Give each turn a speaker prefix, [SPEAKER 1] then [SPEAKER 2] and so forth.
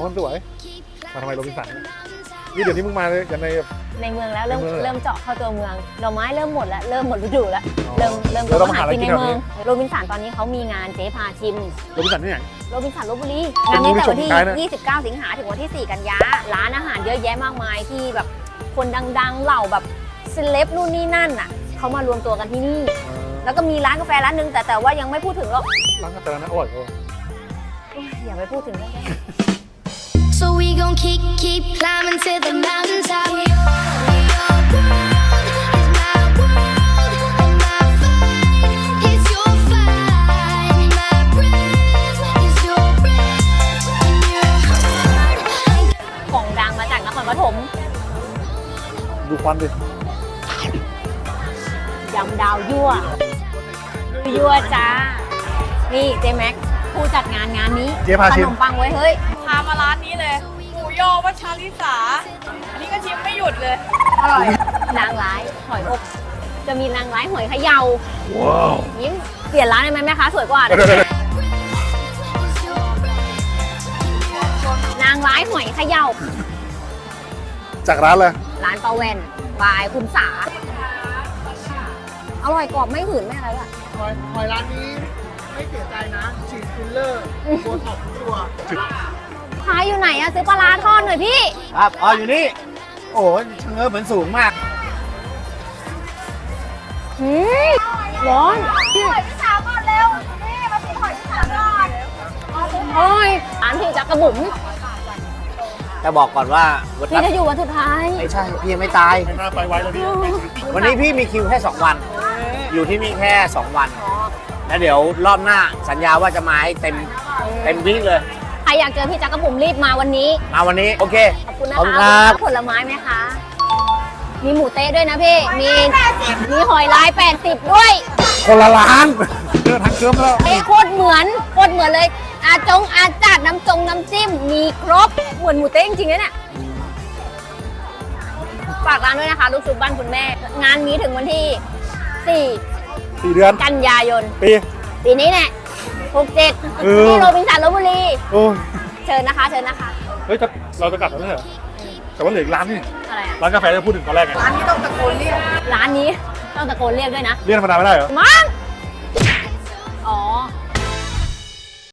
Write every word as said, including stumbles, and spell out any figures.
[SPEAKER 1] มันสวยมาทำไมโรบินสันนี่เดี๋ยวนี้มึงมาเลยกันใน
[SPEAKER 2] ในเมืองแล้วเริ่ม
[SPEAKER 1] ในเมือง
[SPEAKER 2] เริ่มเจาะเข้าตัวเมืองดอกไม้เริ่มหมดแล้วเริ่มหมดฤดูแล้ว
[SPEAKER 1] อ๋อ
[SPEAKER 2] เริ่มเริ่ม
[SPEAKER 1] เราต้องหาอะไร
[SPEAKER 2] กินใน
[SPEAKER 1] กินแถว
[SPEAKER 2] เมื
[SPEAKER 1] นี้
[SPEAKER 2] องโรบินสันตอนนี้เขามีงานเจ๊พาชิม
[SPEAKER 1] โรบินสันที่ไหน
[SPEAKER 2] โรบินสันลพบุรี
[SPEAKER 1] เป็
[SPEAKER 2] งาน นนี้แต่วัน
[SPEAKER 1] ผู้ชมท้ายนะ
[SPEAKER 2] ที่ ยี่สิบเก้า สิงหาถึงวันที่ สี่ กันยาร้านอาหารเยอะแยะมากมายที่แบบคนดังๆเหล่าแบบเซเลบนู่นนี่นั่นอ่ะเขามารวมตัวกันที่นี่ แล้วก็มีร้านกาแฟร้านหนึงแต่แต่ว่ายังไม่พูดถึงหรอก
[SPEAKER 1] ร้านกาแฟร้านนั้นอร่อยกว่า
[SPEAKER 2] โอ้ยอย่าไปพูดถึงเลย
[SPEAKER 3] So we gon' keep, keep climbing to the mountaintop. Your world is my world, and my fight is your fight. My breath is your breath, and your heart.
[SPEAKER 2] ของดังมาจากนครปฐม
[SPEAKER 1] ดูควันดิ
[SPEAKER 2] ยำดาวยั่วยั่วจ้านี่เจแม็กผู้จัดงานงานนี้
[SPEAKER 1] เจ๊พา
[SPEAKER 2] ข
[SPEAKER 1] ชิม
[SPEAKER 2] นมปังไว้เฮ้ย
[SPEAKER 4] พามาร้านนี้เลยหมูยอวัชริสาอันนี้ก็ชิมไม่หยุดเลย
[SPEAKER 2] อร่อยนางร้ายหอยอบจะมีนางร้ายหอยเขย่า
[SPEAKER 1] ว้าว
[SPEAKER 2] ยิ้มเปลี่ยนร้านได้ไหมแม่ค้าสวยกว่า
[SPEAKER 1] เดี๋ยวเดี๋ยวเดี๋ยว
[SPEAKER 2] นางร้ายหอยเขย่า
[SPEAKER 1] จากร้านเลย
[SPEAKER 2] ร้านปลาแวนบายคุณสาอร่อยกรอบไม่หืนไม่อะไรอ่ะ
[SPEAKER 5] หอยหอยร้านนี้ไม่เสียใจนะฉีดฟิลเลอร์โบท็อกซ์ทุกตัว
[SPEAKER 2] ขายอยู่ไหนอะซื้อปลาร้าทอดหน่อยพี่
[SPEAKER 5] ครับอ๋ออยู่นี่ โอ้ยเชงเง้อเหมือนสูงมาก
[SPEAKER 2] หืมร้อน
[SPEAKER 3] หอยพี่สาวก่อนเร็ว นี่มาชิมหอยพี่สาวก่อน
[SPEAKER 2] โอ้ยร้านพี่จักกระบุ๋ม
[SPEAKER 5] แต่บอกก่อนว่าวัน
[SPEAKER 2] พี่จะอยู่วันสุดท้าย
[SPEAKER 5] ไม่ใช่ พี่ยังไม่ตาย
[SPEAKER 1] ไม่น่าไปไว้แล้วพี่
[SPEAKER 5] วันนี้พี่มีคิวแค่ สอง วัน อยู่ที่นี่แค่ สอง วัน แล้วเดี๋ยวรอบหน้าสัญญาว่าจะมาให้เต็มเต็มวิ่งเลย
[SPEAKER 2] ใครอยากเจอพี่จักกระบุ๋มรีบมาวันนี้
[SPEAKER 5] มาวันนี้ โอเค
[SPEAKER 2] ขอบคุณนะ
[SPEAKER 5] ขอบคุณ
[SPEAKER 2] คะ
[SPEAKER 5] ครับ
[SPEAKER 2] ผลไม้ไหมคะ มีหมูเต๊ะด้วยนะพี่ มีมีหอยลายแปดสิบด้วย
[SPEAKER 1] คนละร้านเดินทางเคิร์มแล้ว
[SPEAKER 2] เอ้ยโคตรเหมือนโคตรเหมือนเลย อาจงอาจัดน้ำจงน้ำจิ้ม มีครบ เหมือนหมูเต๊ะจริงๆนะเนี่ยฝากร้านด้วยนะคะ ลูกชุบบ้านคุณแม่ งานนี้ถึงวันที่ สี่
[SPEAKER 1] สี่เดือน
[SPEAKER 2] กันยายน
[SPEAKER 1] ปี
[SPEAKER 2] ปีนี้แน่หกเจ็ด
[SPEAKER 1] เออ
[SPEAKER 2] ที่โรบินสันลพบุรี
[SPEAKER 1] โอ้ย
[SPEAKER 2] เชิญนะคะ เชิญนะคะ
[SPEAKER 1] เฮ้ยแต่เราจะกลับแล้วไม่ใช่เหรอแต่ว่าเหลืออีกร้านนี่
[SPEAKER 2] อะไรอะ
[SPEAKER 1] ร้านกาแฟที่พูดถึงตอนแรกไง
[SPEAKER 2] ร้านนี้ต้องตะโกนเรียกด้วยนะ
[SPEAKER 1] เรียกธรรมดาไม่ได้เหรอ
[SPEAKER 2] มั้ง